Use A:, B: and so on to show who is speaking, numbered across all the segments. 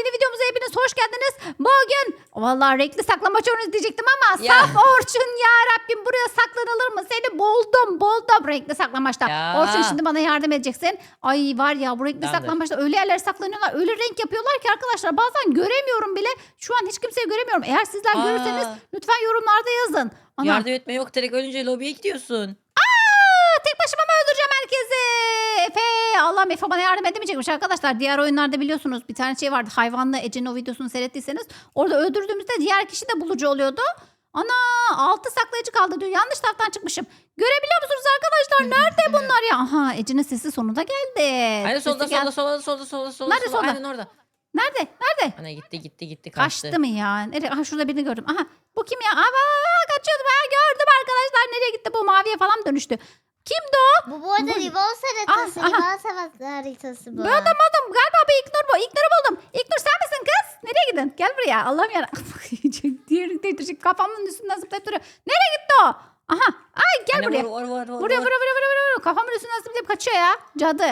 A: yeni videomuza hepiniz hoş geldiniz. Bugün vallahi renkli saklambaç oyunu diyecektim ama
B: Ya.
A: saf Orçun ya Rabbim, buraya saklanılır mı? Seni buldum renkli saklambaçta.
B: Ya.
A: Orçun şimdi bana yardım edeceksin. Ay var ya, bu renkli
B: Tamamdır.
A: saklambaçta öyle yerlere saklanıyorlar, öyle renk yapıyorlar ki arkadaşlar bazen göremiyorum bile. Şu an hiç kimseyi göremiyorum. Eğer sizler
B: Aa.
A: görürseniz lütfen yorumlarda yazın. Ana.
B: Yardım etme yok, direkt ölünce lobiye gidiyorsun.
A: Tek başıma mı öldüreceğim herkesi? Efe, Allah'ım, Efe bana yardım edemeyecekmiş arkadaşlar. Diğer oyunlarda biliyorsunuz bir tane şey vardı. Hayvanlı Ece'nin o videosunu seyrettiyseniz. Orada öldürdüğümüzde diğer kişi de bulucu oluyordu. Ana, 6 saklayıcı kaldı diyor. Yanlış taraftan çıkmışım. Görebiliyor musunuz arkadaşlar? Nerede bunlar ya? Aha, Ece'nin sesi sonunda geldi.
B: Aynen solda
A: Sesi gel-
B: solda.
A: Nerede solda?
B: Aynen orada.
A: Nerede?
B: Ana gitti kaçtı.
A: Kaçtı mı ya? Nereye? Aha, şurada birini gördüm. Aha, bu kim ya? Aa, kaçıyordum. Ha, gördüm arkadaşlar. Nereye gitti bu? Maviye falan dönüştü. Kimdi o?
C: Bu arada Rivals haritası.
A: aha.
C: Rivals haritası bu.
A: Bu adam galiba bu İlknur bu. İlknur'u buldum. İlknur sen misin kız? Nereye gidin? Gel buraya. Allah'ım yarabbim. Diğeri de kafamın üstünden zıplayıp duruyor. Nereye gitti o? Aha. Ay gel
B: Anne,
A: buraya.
B: Vur.
A: Vuruyor. Kafamın üstünden zıplayıp kaçıyor ya. Cadı.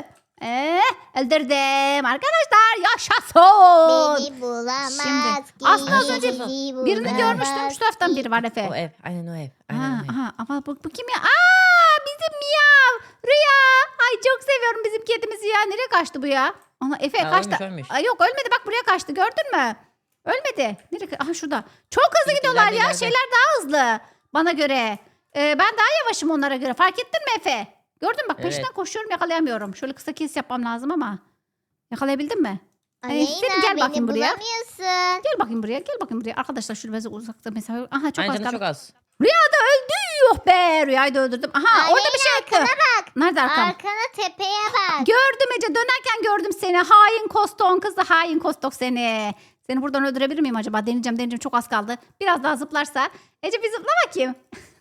A: Öldürdüm. Arkadaşlar yaşasın.
C: Beni bulamaz
A: Şimdi,
C: ki.
A: aslında az
B: önce
C: bizi
A: Birini
C: bulamaz
A: görmüştüm. Şu taraftan biri var Efe.
B: O ev. Aynen o ev.
A: Aha, ama bu kim ya? Bizim Miyav. Rüya. Ay çok seviyorum bizim kedimizi ya. Nereye kaçtı bu ya? Ana Efe
B: Ya,
A: kaçtı.
B: ölmüş.
A: Ay, yok ölmedi, bak buraya kaçtı, gördün mü? Ölmedi. Nereye? Aha şurada. Çok hızlı
B: Bizimkiler
A: gidiyorlar
B: de
A: ya.
B: ileride.
A: Şeyler daha hızlı bana göre. Ben daha yavaşım onlara göre. Fark ettin mi Efe? Gördün mü? Bak peşinden
B: Evet.
A: koşuyorum, yakalayamıyorum. Şöyle kısa kes yapmam lazım ama. Yakalayabildin mi?
C: Aleyna
A: Senin gel bakayım
C: beni
A: buraya.
C: bulamıyorsun.
A: Gel bakayım buraya. Arkadaşlar şöyle biraz uzakta mesafe. Aha çok
B: Aynen
A: az
B: canı
A: kaldı.
B: çok az.
A: Rüya da öldü. Yuh be, Rüyayı da öldürdüm. Aha, orada bir şey
C: arkana
A: attı. Nerede arkam?
C: Arkana tepeye bak.
A: Gördüm Ece, dönerken gördüm seni. Hain Koston kızı, hain Kostok seni. Seni buradan öldürebilir miyim acaba? Deneyeceğim, çok az kaldı. Biraz daha zıplarsa. Ece bir zıpla bakayım.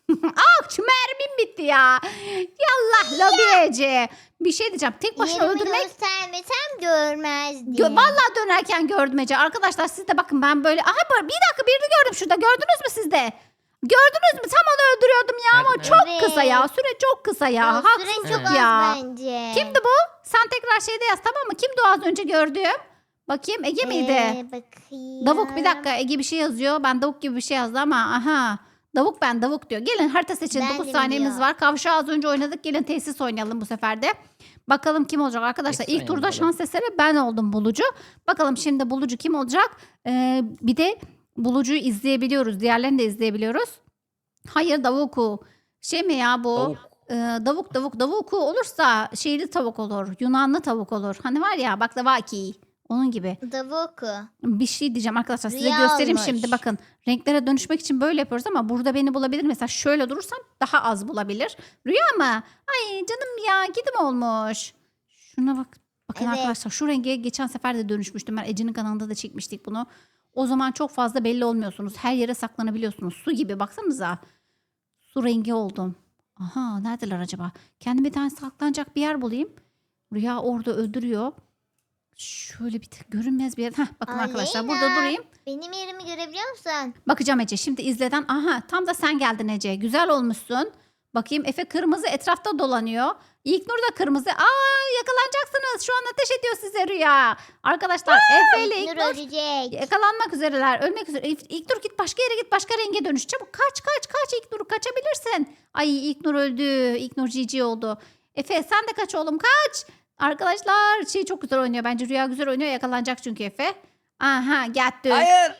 A: Şu mermim bitti ya. Yallah lobi Ece. Bir şey diyeceğim. Tek başına
C: Yerimi
A: öldürmek.
C: göstermesem görmezdim.
A: Vallahi dönerken gördüm Ece. Arkadaşlar siz de bakın, ben böyle. Aha, bir dakika, birini gördüm şurada. Gördünüz mü siz de? Gördünüz mü? Tam onu öldürüyordum ya, ama
B: Nerede?
A: çok
C: Evet.
A: kısa ya. Süre çok kısa ya.
C: O süre
A: Haksızlık
C: çok az
A: ya.
C: bence.
A: Kimdi bu? Sen tekrar şeyde yaz, tamam mı? Kimdi o az önce gördüğüm? Bakayım, Ege miydi?
C: Bakayım.
A: Davuk, bir dakika, Ege bir şey yazıyor. Ben davuk gibi bir şey yazdı ama aha. Davuk diyor. Gelin harita seçin.
C: Ben
A: 9
C: de
A: saniyemiz
C: biliyorum.
A: var. Kavşağı az önce oynadık. Gelin tesis oynayalım bu sefer de. Bakalım kim olacak arkadaşlar.
B: Tesis
A: İlk turda
B: oynayalım.
A: şans eseri ben oldum bulucu. Bakalım şimdi bulucu kim olacak? Bir de bulucuyu izleyebiliyoruz. Diğerlerini de izleyebiliyoruz. Hayır, davuku. Şey mi ya bu?
B: Tavuk.
A: Davuku olursa şeyli tavuk olur. Yunanlı tavuk olur. Hani var ya, baklavaki. Onun gibi.
C: Davuku.
A: Bir şey diyeceğim arkadaşlar, size
C: Rüya
A: göstereyim
C: olmuş.
A: şimdi, bakın. Renklere dönüşmek için böyle yapıyoruz ama burada beni bulabilir. Mesela şöyle durursam daha az bulabilir. Rüya mı? Ay canım ya, gidim olmuş. Şuna bak. Bakın
C: Evet.
A: arkadaşlar, şu renge geçen sefer de dönüşmüştüm. Ben Ece'nin kanalında da çekmiştik bunu. O zaman çok fazla belli olmuyorsunuz. Her yere saklanabiliyorsunuz. Su gibi, baksanıza. Su rengi oldum. Aha, neredeler acaba? Kendime bir tane saklanacak bir yer bulayım. Rüya orada öldürüyor. Şöyle bir tık görünmez bir yer. Heh, bakın arkadaşlar, burada
C: Aleyna.
A: durayım.
C: Benim yerimi görebiliyor musun?
A: Bakacağım Ece. Şimdi izleden. Aha, tam da sen geldin Ece. Güzel olmuşsun. Bakayım, Efe kırmızı etrafta dolanıyor. İlknur da kırmızı. Yakalanacaksınız. Şu an ateş ediyor size Rüya. Arkadaşlar Efe ile
C: İlknur
A: İlknur
C: ölecek.
A: yakalanmak üzereler. Ölmek üzere. İlknur git başka yere git. Başka renge dönüş. Çabuk kaç İlknur. Kaçabilirsin. Ay, İlknur öldü. İlknur GG oldu. Efe sen de kaç oğlum, kaç. Arkadaşlar şey çok güzel oynuyor. Bence Rüya güzel oynuyor. Yakalanacak çünkü Efe. Aha, gitti.
B: Hayır.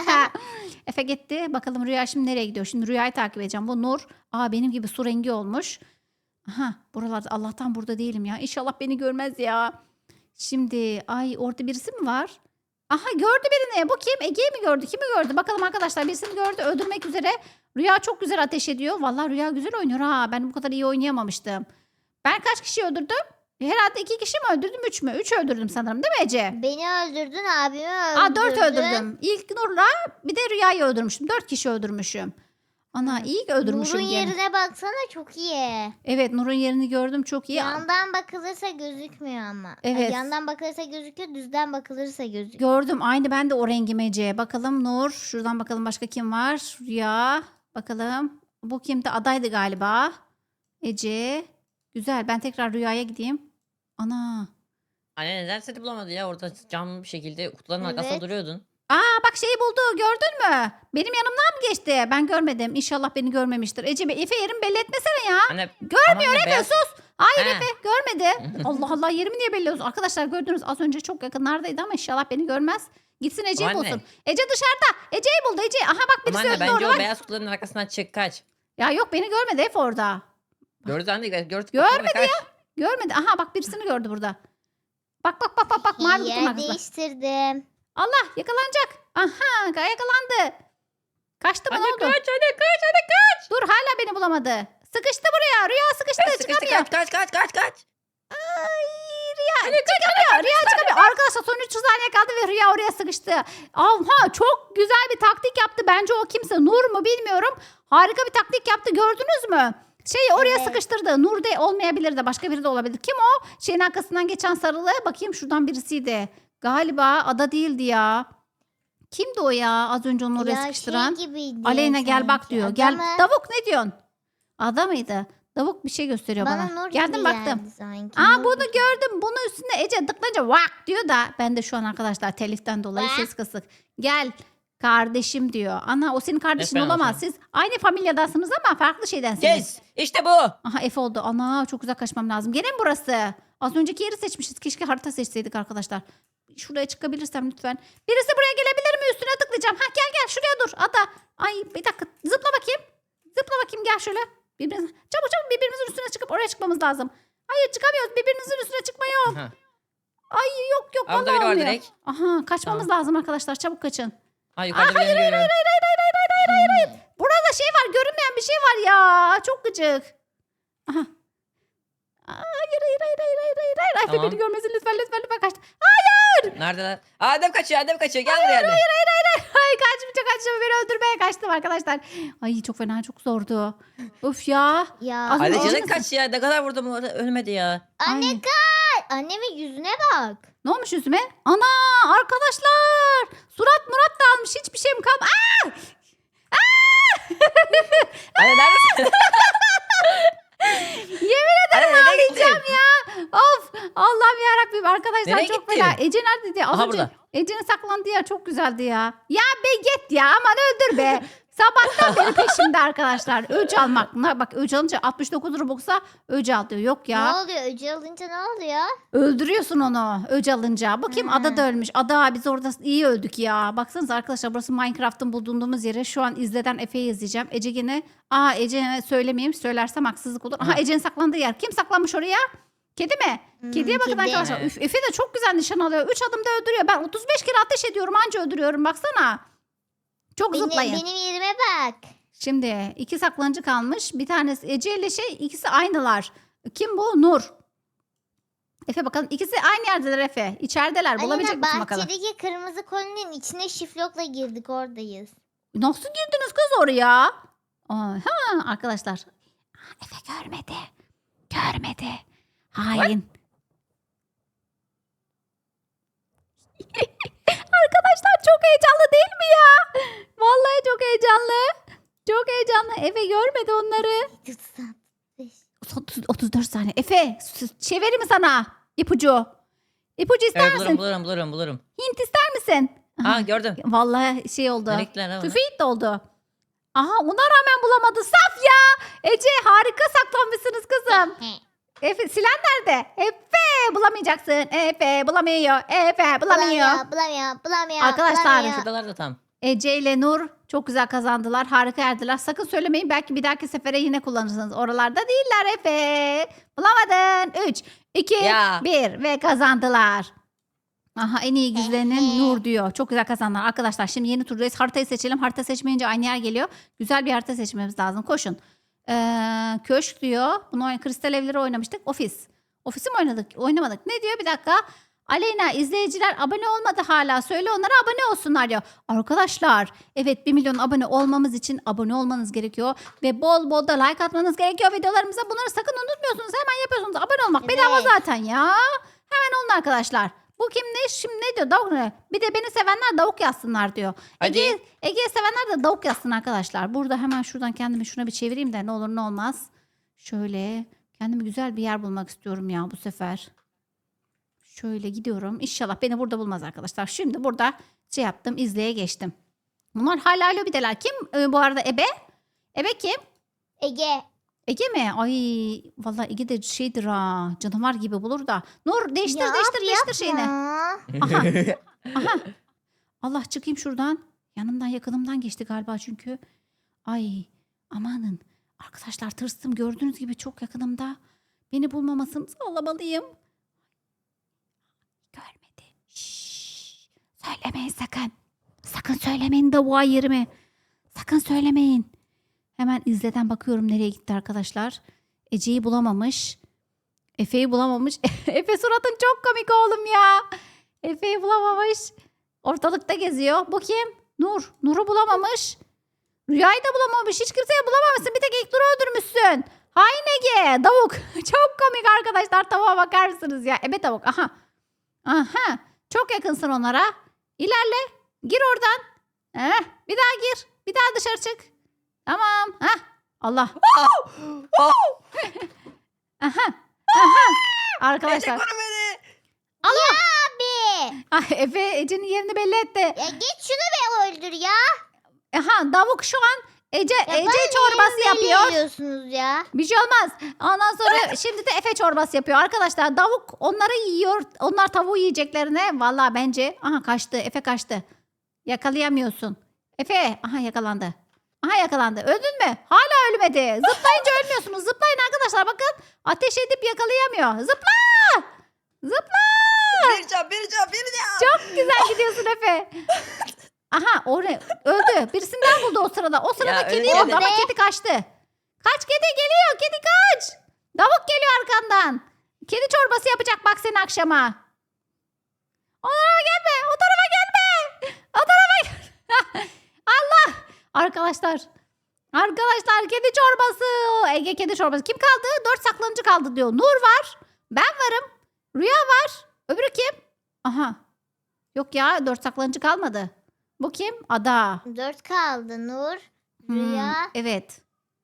A: Efe gitti. Bakalım Rüya şimdi nereye gidiyor? Şimdi Rüya'yı takip edeceğim. Bu Nur. Benim gibi su rengi olmuş. Aha, buralarda. Allah'tan burada değilim ya. İnşallah beni görmez ya. Şimdi orada birisi mi var? Aha, gördü birini. Bu kim? Ege'yi mi gördü? Kimi gördü? Bakalım arkadaşlar, birisini gördü. Öldürmek üzere. Rüya çok güzel ateş ediyor. Vallahi Rüya güzel oynuyor ha. Ben bu kadar iyi oynayamamıştım. Ben kaç kişi öldürdüm? Herhalde 2 kişi mi öldürdüm? 3 mü? 3 öldürdüm sanırım, değil mi Ece?
C: Beni öldürdün, abimi öldürdün.
A: 4 öldürdüm. İlk Nur'la bir de Rüya'yı öldürmüşüm. 4 kişi öldürmüşüm. Ana, iyi ki öldürmüşüm
C: Nur'un
A: gene.
C: yerine baksana, çok iyi.
A: Evet, Nur'un yerini gördüm, çok iyi.
C: Yandan bakılırsa gözükmüyor ama.
A: Evet.
C: Yandan bakılırsa gözüküyor, düzden bakılırsa gözüküyor.
A: Gördüm, aynı ben de o rengim Ece. Bakalım Nur. Şuradan bakalım başka kim var? Rüya. Bakalım. Bu kimdi? Adaydı galiba. Ece. Güzel, ben tekrar Rüya'ya gideyim. Ana.
B: Anne neden seni bulamadı ya? Orada cam bir şekilde kutuların arkasında
C: Evet.
B: duruyordun.
A: Aa bak şeyi buldu gördün mü? Benim yanımdan mı geçti? Ben görmedim. İnşallah beni görmemiştir. Ece Efe yerimi belli etmesene ya.
B: Anne
A: Görmüyor
B: Efe
A: Efe sus. Hayır
B: He.
A: Efe görmedi. Allah Allah yerimi niye belli ediyorsun? Arkadaşlar gördünüz az önce çok yakınlardaydı ama inşallah beni görmez. Gitsin Ece'yi
B: Ama anne.
A: bulsun. Ece dışarıda. Ece'yi buldu Ece. Aha bak
B: Ama
A: birisi
B: anne
A: öldü
B: bence
A: orada
B: o
A: bak.
B: beyaz kutuların arkasından çık kaç.
A: Ya yok beni görmedi Efe orada.
B: Gördü anne gördü.
A: Görmedi
B: kaç.
A: Görmedi. Aha bak birisini gördü burada. Bak mavi kutunun
C: Yer
A: arkasında.
C: değiştirdim.
A: Allah yakalanacak. Aha yakalandı. Kaçtı mı ne
B: Anne
A: oldu?
B: kaç kaç.
A: Dur hala beni bulamadı. Sıkıştı buraya. Rüya sıkıştı.
B: Sıkıştı
A: Çıkamıyor.
B: kaç.
A: Ay Rüya çıkamıyor. Rüya çıkamıyor. Arkadaşlar son 3 saniye kaldı ve Rüya oraya sıkıştı. Aha çok güzel bir taktik yaptı. Bence o kimse Nur mu bilmiyorum. Harika bir taktik yaptı. Gördünüz mü? Şeyi oraya
C: Evet.
A: sıkıştırdı. Nur de olmayabilir de başka biri de olabilir. Kim o? Şeyin arkasından geçen sarılı. Bakayım şuradan birisiydi. Galiba Ada değildi ya. Kimdi o ya? Az önce onu oraya
C: Ya
A: sıkıştıran.
C: şey gibiydi
A: Aleyna gel bak
C: sanki.
A: diyor.
C: Adamı
A: Gel. Davuk ne diyorsun? Ada mıydı? Davuk bir şey gösteriyor
C: bana
A: bana.
C: Nur
A: Geldim
C: gibi
A: baktım.
C: geldi sanki.
A: Aa
C: Nur
A: bunu
C: gibi.
A: gördüm. Bunun üstüne Ece tıklayınca vak diyor da ben de şu an arkadaşlar teliften dolayı
C: Vak.
A: ses kısık. Gel kardeşim diyor. Ana o senin kardeşin
B: Efendim,
A: olamaz.
B: efendim.
A: Siz aynı familyadansınız ama farklı şeydensiniz.
B: Yes işte bu.
A: Aha F oldu. Ana çok uzak kaçmam lazım. Gene mi burası? Az önceki yeri seçmişiz. Keşke harita seçseydik arkadaşlar. Şuraya çıkabilirsem lütfen. Birisi buraya gelebilir mi? Üstüne tıklayacağım. Ha gel şuraya dur. Ada. Ay bir dakika. Zıpla bakayım. Zıpla bakayım gel şöyle. Çabuk birbirimizin üstüne çıkıp oraya çıkmamız lazım. Hayır çıkamıyoruz. Birbirimizin üstüne çıkma yok.
B: Aha.
A: Ay yok
B: Aa, burada
A: vallahi
B: biri var
A: olmuyor.
B: direkt.
A: Aha kaçmamız lazım arkadaşlar. Çabuk kaçın.
B: Ha yukarıda bir yere görüyorum.
A: Burada şey var. Görünmeyen bir şey var ya. Çok gıcık. Aha. Hayır. Efe
B: Tamam.
A: beni görmesin lütfen kaçtı.
B: Neredeler? Adem kaçıyor gel buraya anne.
A: Ay kaçtım beni öldürmeye kaçtım arkadaşlar. Ay çok fena çok zordu. Of ya.
C: Ya
A: Az
B: Hadi
A: önce-
B: canın kaç ya ne kadar vurdum orada ölmedi ya.
C: anne
A: Ay.
C: kaç. Annemin yüzüne bak.
A: Ne olmuş yüzüme? Ana arkadaşlar. Surat murat da almış hiçbir şeyim kalmadı.
B: Anne neredesin?
A: Yemin ederim
B: Anne, nereye
A: ağlayacağım
B: gittin?
A: ya. Of Allah'ım yarabbim arkadaşlar
B: Nereye
A: çok
B: gitti?
A: fena. Ece neredeydi? Az
B: Aha,
A: önce
B: burada.
A: Ece'nin saklandığı yer çok güzeldi ya. Ya be git ya aman öldür be. Sabahtan beri peşimde arkadaşlar. Öc almak. Bak öc alınca 69 Robux'a öc al diyor. Yok
C: Ne
A: ya.
C: oluyor? Öcü alınca ne oluyor?
A: Öldürüyorsun onu öc alınca. Bakayım
C: Ha.
A: Ada da ölmüş. Ada biz orada iyi öldük ya. Baksanıza arkadaşlar burası Minecraft'ın bulunduğumuz yere. Şu an izleden Efe'yi izleyeceğim. Ece gene. Ece'ye söylemeyeyim. Söylersem haksızlık olur. Aha
B: Ha.
A: Ece'nin saklandığı yer. Kim saklanmış oraya? Kedi mi? Kediye bakın
C: kedi.
A: arkadaşlar.
B: Evet.
A: Üf, Efe de çok güzel nişan alıyor. 3 adımda öldürüyor. Ben 35 kere ateş ediyorum. Anca öldürüyorum. Baksana. Çok zıplayın.
C: Benim yerime bak.
A: Şimdi 2 saklanıcı kalmış. Bir tanesi Ece ile ikisi aynılar. Kim bu? Nur. Efe bakalım. İkisi aynı yerdeler Efe. İçerideler. Bulabilecek
C: Aleyna
A: misin bakalım?
C: bahçedeki kırmızı kolinin içine şiflokla girdik oradayız.
A: Nasıl girdiniz kız oraya? Aha arkadaşlar. Efe görmedi. Görmedi. Hain. Arkadaşlar çok heyecanlı değil mi ya? Vallahi çok heyecanlı. Çok heyecanlı. Efe görmedi onları. 34 saniye. Efe çevireyim mi sana ipucu? İpucu ister
B: Evet
A: misin?
B: bulurum.
A: Hint ister misin?
B: Ha gördüm.
A: Vallahi şey oldu.
B: Nerikler ama.
A: Tüfeğit de oldu. Aha ona rağmen bulamadı. Saf ya. Ece harika saklanmışsınız kızım. Efe silen nerede? Efe bulamayacaksın. Efe bulamıyor. Efe bulamıyor.
C: Bulamıyor.
A: Arkadaşlar,
C: bulamıyor.
B: Şuradalar da tam.
A: Ece ile Nur çok güzel kazandılar. Harika erdiler. Sakın söylemeyin. Belki bir dahaki sefere yine kullanırsınız. Oralarda değiller Efe. Bulamadın. 3, 2,
B: Ya.
A: 1 ve kazandılar. Aha en iyi güzlerinin
C: Ehe.
A: Nur diyor. Çok güzel kazandılar. Arkadaşlar şimdi yeni turdayız. Haritayı seçelim. Harita seçmeyince aynı yer geliyor. Güzel bir harita seçmemiz lazım. Koşun. Köşk diyor. Bunu kristal evleri oynamıştık. Ofis. Ofisi mi oynadık? Oynamadık. Ne diyor? Bir dakika. Aleyna izleyiciler abone olmadı hala. Söyle onlara abone olsunlar diyor. Arkadaşlar evet 1 milyon abone olmamız için abone olmanız gerekiyor. Ve bol bol da like atmanız gerekiyor videolarımıza. Bunları sakın unutmuyorsunuz. Hemen yapıyorsunuz. Abone olmak bedava
C: Evet.
A: zaten ya. Hemen olun arkadaşlar. Bu kim ne? Şimdi ne diyor? Davuk ne? Bir de beni sevenler davuk yazsınlar diyor.
B: Hadi.
A: Ege'yi sevenler de davuk yazsın arkadaşlar. Burada hemen şuradan kendimi şuna bir çevireyim de ne olur ne olmaz. Şöyle kendime güzel bir yer bulmak istiyorum ya bu sefer. Şöyle gidiyorum. İnşallah beni burada bulmaz arkadaşlar. Şimdi burada şey yaptım. İzleye geçtim. Bunlar hala lobideler. Kim bu arada Ebe? Ebe kim?
C: Ege.
A: Ege mi? Ay vallahi Ege de şeydir ha. Canavar gibi bulur da. Nur değiştir
C: Ya
A: değiştir değiştir şeyini.
C: Aa,
A: Aha. Aha. Allah çıkayım şuradan. Yanımdan yakınımdan geçti galiba çünkü. Ay amanın. Arkadaşlar tırstım gördüğünüz gibi çok yakınımda. Beni bulmamasını sağlamalıyım. Görmedi. Şşş. Söylemeyin sakın. Sakın söylemeyin tavuğa yerimi. Sakın söylemeyin. Hemen izleden bakıyorum nereye gitti arkadaşlar. Ece'yi bulamamış. Efe'yi bulamamış. Efe suratın çok komik oğlum ya. Efe'yi bulamamış. Ortalıkta geziyor. Bu kim? Nur. Nur'u bulamamış. Rüyayı da bulamamış. Hiç kimseyi bulamamışsın. Bir tek ilk Nur'u öldürmüşsün. Hain Ege. Tavuk. Çok komik arkadaşlar. Tavuğa bakar mısınız ya? Ebe tavuk. Aha. Aha. Çok yakınsın onlara. İlerle. Gir oradan. Bir daha gir. Bir daha dışarı çık. Tamam. Heh. Allah. Aha. Aha. Arkadaşlar.
B: Ece koru beni.
C: abi.
A: Ay, Efe Ece'nin yerini belli etti.
C: Ya git şunu be öldür ya.
A: Aha Davuk şu an Ece
C: Ya
A: Ece
C: bana
A: çorbası
C: niye
A: yapıyor.
C: veriyorsunuz ya?
A: Bir şey olmaz. Ondan sonra şimdi de Efe çorbası yapıyor. Arkadaşlar Davuk onları yiyor. Onlar tavuğu yiyeceklerine. Vallahi bence. Aha kaçtı. Efe kaçtı. Yakalayamıyorsun. Efe. Aha yakalandı. Aha yakalandı. Öldün mü? Hala ölmedi. Zıplayınca ölmüyorsunuz. Zıplayın arkadaşlar bakın. Ateş edip yakalayamıyor. Zıpla. Zıpla.
B: Bir can.
A: Çok güzel gidiyorsun Efe. Aha oraya öldü. Birisinden buldu o sırada. O sırada
B: Ya,
A: kedi
B: öyle
A: buldu
B: de-
A: ama kedi kaçtı. Kaç kedi geliyor. Kedi kaç. Davuk geliyor arkandan. Kedi çorbası yapacak bak seni akşama. O tarafa gelme. O tarafa gelme. O tarafa Allah. Arkadaşlar. Arkadaşlar kedi çorbası. Ege kedi çorbası. Kim kaldı? 4 saklanıcı kaldı diyor. Nur var. Ben varım. Rüya var. Öbürü kim? Aha. Yok ya 4 saklanıcı kalmadı. Bu kim? Ada.
C: 4 kaldı. Nur,
A: Hmm,
C: Rüya,
A: evet.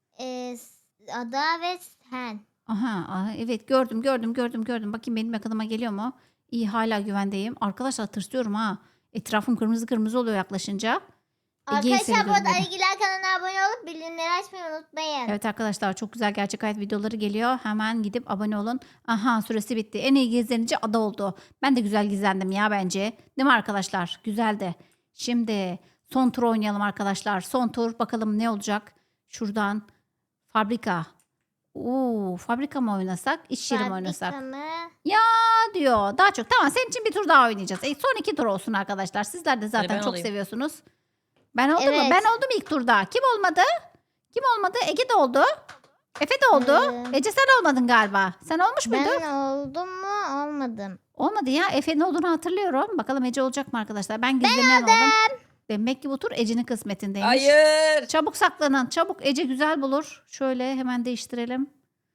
C: Ada ve Sen.
A: Aha, evet gördüm. Bakayım benim yakınıma geliyor mu? İyi hala güvendeyim. Arkadaşlar tırsıyorum ha. Etrafım kırmızı kırmızı oluyor yaklaşınca. Ege'yi
C: Arkadaşlar bu
A: seviyorum
C: arada
A: dedim.
C: Arıgiler kanalına abone olup bildirimleri açmayı unutmayın.
A: Evet arkadaşlar çok güzel gerçek hayat videoları geliyor. Hemen gidip abone olun. Aha süresi bitti. En iyi gizlenici Ada oldu. Ben de güzel gizlendim ya bence. Değil mi arkadaşlar? Güzeldi. Şimdi son tur oynayalım arkadaşlar. Son tur bakalım ne olacak? Şuradan fabrika. Fabrika mı oynasak? İş yeri mi oynasak?
C: Fabrika mı?
A: Diyor. Daha çok. Tamam senin için bir tur daha oynayacağız. Son 2 tur olsun arkadaşlar. Sizler de zaten
B: ben
A: çok
B: olayım.
A: seviyorsunuz. Ben oldum mu?
C: Evet.
A: Ben oldum ilk turda. Kim olmadı? Kim olmadı? Ege de oldu. Efe de oldu. Ece sen olmadın galiba. Sen olmuş muydun?
C: Ben oldum mu? Olmadım.
A: Olmadı ya. Efe'nin olduğunu hatırlıyorum. Bakalım Ece olacak mı arkadaşlar? Ben gizlemeyen oldum. Demek ki bu tur Ece'nin kısmetindeymiş.
B: Hayır.
A: Çabuk saklanın. Çabuk Ece güzel bulur. Şöyle hemen değiştirelim.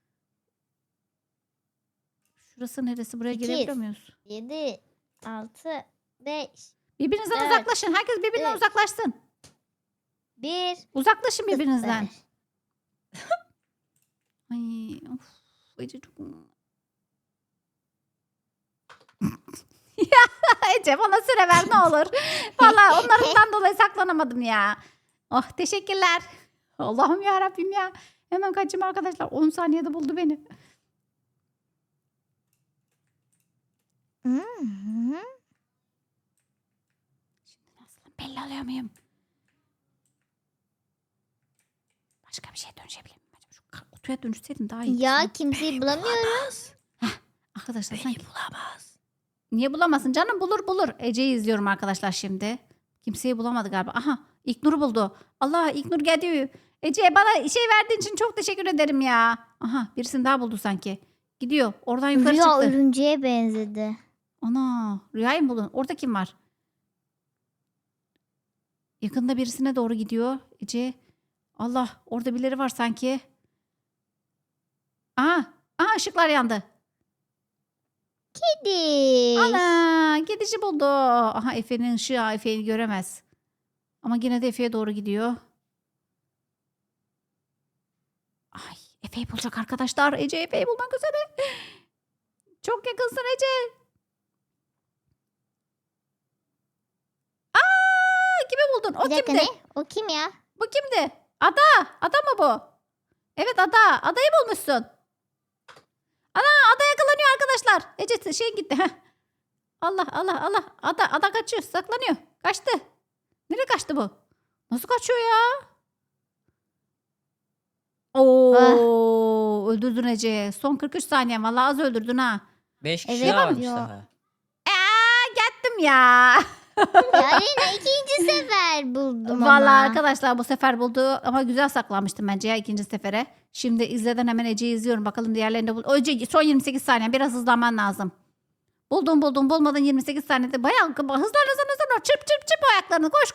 A: Şurası neresi? Buraya
C: İki.
A: girebiliyor muyuz?
C: 7, 6, 5,
A: Birbirinizden
C: Evet.
A: uzaklaşın. Herkes birbirinden
C: Evet.
A: uzaklaşsın.
C: 1,
A: Uzaklaşın birbirinizden. Ay, of, Ece çok... Ya Ece bana süre ver ne olur. Vallahi onlarından dolayı saklanamadım ya. Oh teşekkürler. Allah'ım ya Rabbim ya. Hemen kaçayım arkadaşlar. 10 saniyede buldu beni. Nasıl belli oluyor muyum? Başka bir şeye dönüşebilir miyim? Acaba şu kutuya dönüşseydim daha iyi.
C: Ya kimseyi bulamıyorum.
A: Arkadaşlar
B: Beni
A: sanki
B: bulamaz.
A: niye bulamasın canım bulur. Ece'yi izliyorum arkadaşlar şimdi. Kimseyi bulamadı galiba. Aha İlknur'u buldu. Allah İlknur geldi. Ece bana şey verdiğin için çok teşekkür ederim ya. Aha birisini daha buldu sanki. Gidiyor oradan yukarı
C: Rüya
A: çıktı.
C: örümceğe benzedi.
A: Ana Rüya'yı mı buldun? Orada kim var? Yakında birisine doğru gidiyor Ece. Allah orada birileri var sanki. Aha ışıklar yandı.
C: Kedi.
A: Ana gidici buldu. Aha Efe'nin ışığı Efe'yi göremez. Ama yine de Efe'ye doğru gidiyor. Ay Efe'yi bulacak arkadaşlar. Ece Efe'yi bulmak üzere. Çok yakınsın Ece. buldun. O
C: Bir dakika
A: kimdi?
C: ne? O kim ya?
A: Bu kimdi? Ada. Ada mı bu? Evet Ada. Adayı bulmuşsun. Ana Ada yakalanıyor arkadaşlar. Ece şey gitti. Heh. Allah Allah Allah. Ada kaçıyor. Saklanıyor. Kaçtı. Nereye kaçtı bu? Nasıl kaçıyor ya? Oo, öldürdün Ece. Son 43 saniye. Vallahi az öldürdün ha.
B: 5 kişi
C: Evet,
B: daha varmış
C: yo.
B: daha.
A: Gittim ya.
C: Ya Lina ikinci sefer buldum
A: Vallahi
C: ama.
A: arkadaşlar bu sefer buldu ama güzel saklanmıştım bence ya ikinci sefere. Şimdi izleden hemen Ece'yi izliyorum. Bakalım diğerlerinde bul. Ece son 28 saniye. Biraz hızlanman lazım. Buldum bulmadın 28 saniyede. Bayağı hızlan. Çırp ayaklarını. Koş.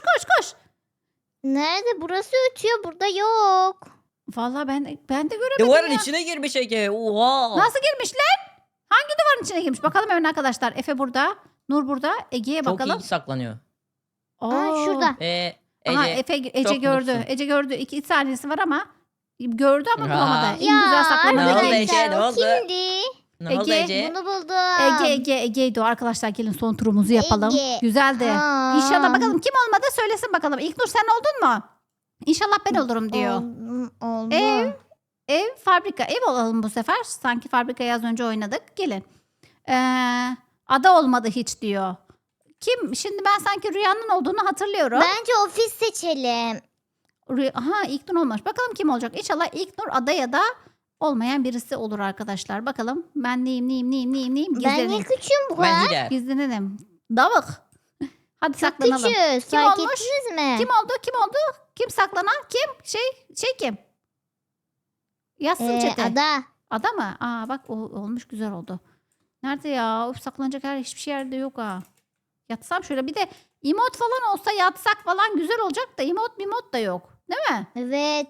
C: Nerede? Burası ötüyor. Burada yok.
A: Vallahi ben de göremedim
B: Duvarın
A: ya.
B: içine girmiş Ege. Oha.
A: Nasıl girmiş lan? Hangi duvarın içine girmiş? Bakalım hemen arkadaşlar. Efe burada. Nur burada. Ege'ye
B: Çok
A: bakalım.
B: iyi saklanıyor.
C: Aa, şurada.
B: Ece.
A: Aha, Ece
B: çok
A: gördü.
B: mutlusun.
A: Ece gördü. 2 saniyesi var ama gördü ama
B: Ya.
A: bulamadı. En güzel saklanan
B: Ne oldu
A: Ece.
B: Ece? Ne
C: o
B: oldu?
C: kimdi?
B: Ne oldu
A: Ege,
B: Ece?
C: Bunu buldum.
A: Ege'ydi o arkadaşlar. Gelin son turumuzu yapalım.
C: Ege.
A: Güzeldi.
C: Aa.
A: İnşallah bakalım kim olmadı söylesin bakalım. İlknur sen oldun mu? İnşallah ben olurum diyor.
C: Oldu.
A: Ev, fabrika. Ev olalım bu sefer. Sanki fabrikayı az önce oynadık. Gelin. Ada olmadı hiç diyor. Kim? Şimdi ben sanki Rüya'nın olduğunu hatırlıyorum.
C: Bence ofis seçelim.
A: Aha İlknur olmamış. Bakalım kim olacak? İnşallah İlknur ada ya da olmayan birisi olur arkadaşlar. Bakalım ben neyim?
C: Ben niye
A: Gizleneyim.
C: küçüğüm bu
B: Ben
C: kadar?
B: lider.
A: Gizlenelim. Davık. Hadi
C: Çok
A: saklanalım.
C: küçüğüz.
A: Kim
C: Fark
A: olmuş?
C: ettiniz mi?
A: Kim oldu? Kim saklanan? Kim? Şey kim? Yazsın çete.
C: Ada.
A: Ada mı? Aa bak olmuş güzel oldu. Nerede ya? Of saklanacak hiçbir şey yerde yok ha. Yatsam şöyle bir de emot falan olsa yatsak falan güzel olacak da emot da yok. Değil mi?
C: Evet.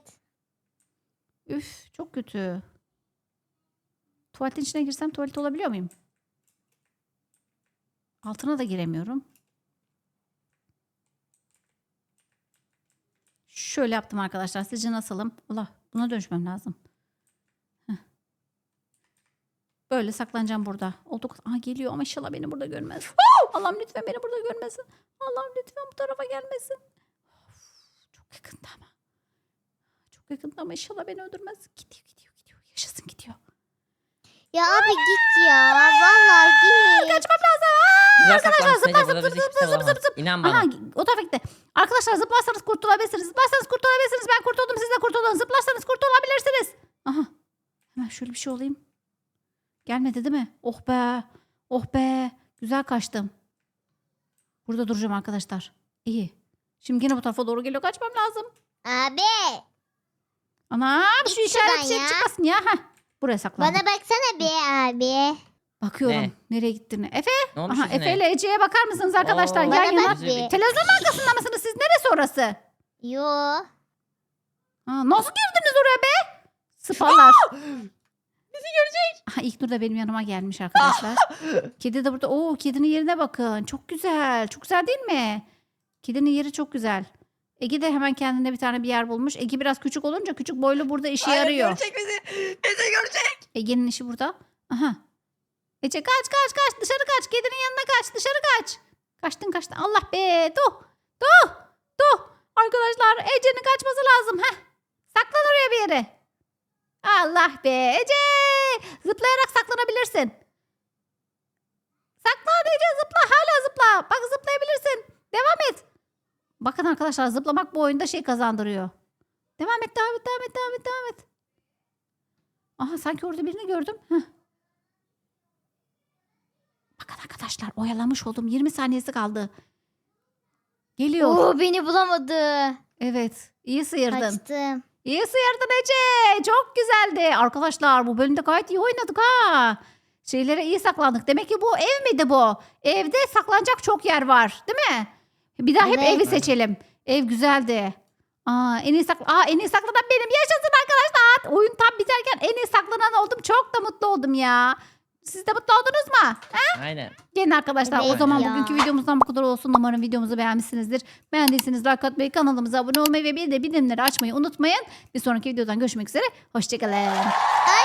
A: Üf çok kötü. Tuvaletin içine girsem tuvalet olabiliyor muyum? Altına da giremiyorum. Şöyle yaptım arkadaşlar. Sizce nasılım? Allah buna dönüşmem lazım. Heh. Böyle saklanacağım burada. Olduk. Aha geliyor ama inşallah beni burada görmez. Allah'ım lütfen beni burada görmesin. Allah'ım lütfen bu tarafa gelmesin. Of, çok yakında ama. Çok yakında ama inşallah beni öldürmez. Gidiyor. Yaşasın gidiyor.
C: Ya abi git ya. Vallahi git.
A: Kaçmam lazım.
B: Güzel
A: Arkadaşlar
B: saklamışsın Ece.
A: zıpla
B: Burada bizi kimse bulamaz. İnan bana.
A: Aha o tarafa gitti. Arkadaşlar zıplarsanız kurtulabilirsiniz. Ben kurtuldum siz de kurtulun. Zıplarsanız kurtulabilirsiniz. Aha. Hemen şöyle bir şey olayım. Gelmedi değil mi? Oh be. Oh be. Güzel kaçtım. Burada duracağım arkadaşlar. İyi. Şimdi yine bu tarafa doğru geliyor. Kaçmam lazım.
C: Abi.
A: Anam şu
C: Git
A: işaret
C: şuradan
A: şey
C: ya.
A: çıkmasın ya. Heh. Buraya saklandım.
C: Bana baksana bir abi.
A: Bakıyorum.
B: Ne?
A: Nereye gittiğini. Efe.
B: Ne olmuş
A: Aha
B: yüzüne?
A: Efe ile Ece'ye bakar mısınız arkadaşlar?
B: Oo.
A: Yan
C: Bana
A: yana.
C: bak bir.
A: Televizyonun arkasında mısınız siz? Neresi orası?
C: Yo.
A: Nasıl girdiniz oraya be? Sıpalar. Bizi görecek. Aha, İlknur da benim yanıma gelmiş arkadaşlar. Kedi de burada. Oo kedinin yerine bakın. Çok güzel. Çok güzel değil mi? Kedinin yeri çok güzel. Ege de hemen kendine bir tane bir yer bulmuş. Ege biraz küçük olunca küçük boylu burada işe
B: Hayır,
A: yarıyor.
B: görecek bizi. Bizi görecek.
A: Ege'nin işi burada. Aha. Ece kaç. Dışarı kaç. Kedinin yanına kaç. Dışarı kaç. Kaçtın. Allah be. Dur. Arkadaşlar Ece'nin kaçması lazım. Heh. Saklan oraya bir yere. Allah be. Ece. Zıplayarak saklanabilirsin. Saklan Ece zıpla. Hala zıpla. Bak zıplayabilirsin. Devam et. Bakın arkadaşlar zıplamak bu oyunda şey kazandırıyor. Devam et. Aha sanki orada birini gördüm. Heh. Bakın arkadaşlar oyalamış oldum. 20 saniyesi kaldı. Geliyor.
C: Oo beni bulamadı.
A: Evet. İyi sıyırdın.
C: Kaçtım.
A: İyi sıyırdın Ece. Çok güzeldi. Arkadaşlar bu bölümde gayet iyi oynadık ha. Şeylere iyi saklandık. Demek ki bu ev miydi bu? Evde saklanacak çok yer var. Değil mi? Bir daha hep
C: Evet.
A: evi seçelim. Ev güzeldi. En iyi saklanan benim. Yaşasın arkadaşlar. Oyun tam biterken en iyi saklanan oldum. Çok da mutlu oldum ya. Siz de mutlu oldunuz mu?
B: Aynen.
A: Gelin arkadaşlar o
C: Evet
A: zaman
C: ya.
A: bugünkü videomuzdan bu kadar olsun. Umarım videomuzu beğenmişsinizdir. Beğendiyseniz like atmayı, kanalımıza abone olmayı ve bir de bildirimleri açmayı unutmayın. Bir sonraki videodan görüşmek üzere. Hoşçakalın.
C: Ay